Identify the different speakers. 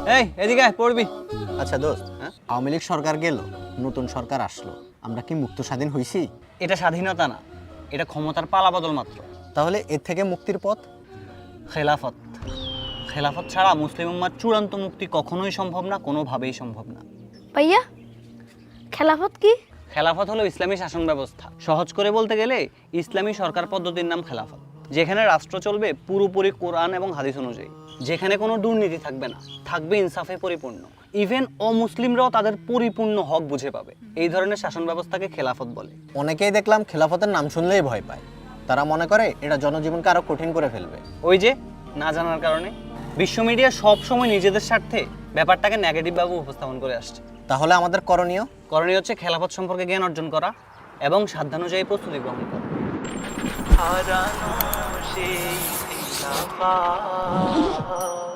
Speaker 1: এই এদিকে আয়, পড়বি।
Speaker 2: আচ্ছা দোস্ত, আওয়ামী লীগ সরকার গেল, নতুন সরকার আসলো, আমরা কি মুক্ত স্বাধীন হইছি?
Speaker 1: এটা স্বাধীনতা না, এটা ক্ষমতার পালাবদল মাত্র।
Speaker 2: তাহলে এর থেকে মুক্তির পথ?
Speaker 1: খেলাফত। খেলাফত ছাড়া মুসলিম উম্মার চূড়ান্ত মুক্তি কখনোই সম্ভব না, কোনোভাবেই সম্ভব না।
Speaker 3: ভাইয়া খেলাফত কি?
Speaker 1: খেলাফত হলো ইসলামী শাসন ব্যবস্থা। সহজ করে বলতে গেলে ইসলামী সরকার পদ্ধতির নাম খেলাফত, যেখানে রাষ্ট্র চলবে পুরোপুরি কোরআন এবং হাদিস অনুযায়ী, যেখানে কোনো দুর্নীতি থাকবে না, থাকবে ইনসাফে পরিপূর্ণ। ইভেন অমুসলিমরাও তাদের পরিপূর্ণ হক বুঝে পাবে। এই ধরনের শাসন ব্যবস্থাকে খেলাফত বলে।
Speaker 2: অনেকেই দেখলাম খেলাফতের নাম শুনলেই ভয় পায়। তারা মনে করে এটা জনজীবনকে আরো কঠিন করে ফেলবে।
Speaker 1: ওই যে না জানার কারণে বিশ্ব মিডিয়া সব সময় নিজেদের স্বার্থে ব্যাপারটাকে নেগেটিভ ভাবে উপস্থাপন করে আসছে।
Speaker 2: তাহলে আমাদের করণীয়
Speaker 1: হচ্ছে খেলাফত সম্পর্কে জ্ঞান অর্জন করা এবং সাধ্যানুযায়ী প্রস্তুতি গ্রহণ করা।
Speaker 4: হারানো সেই খেলাফত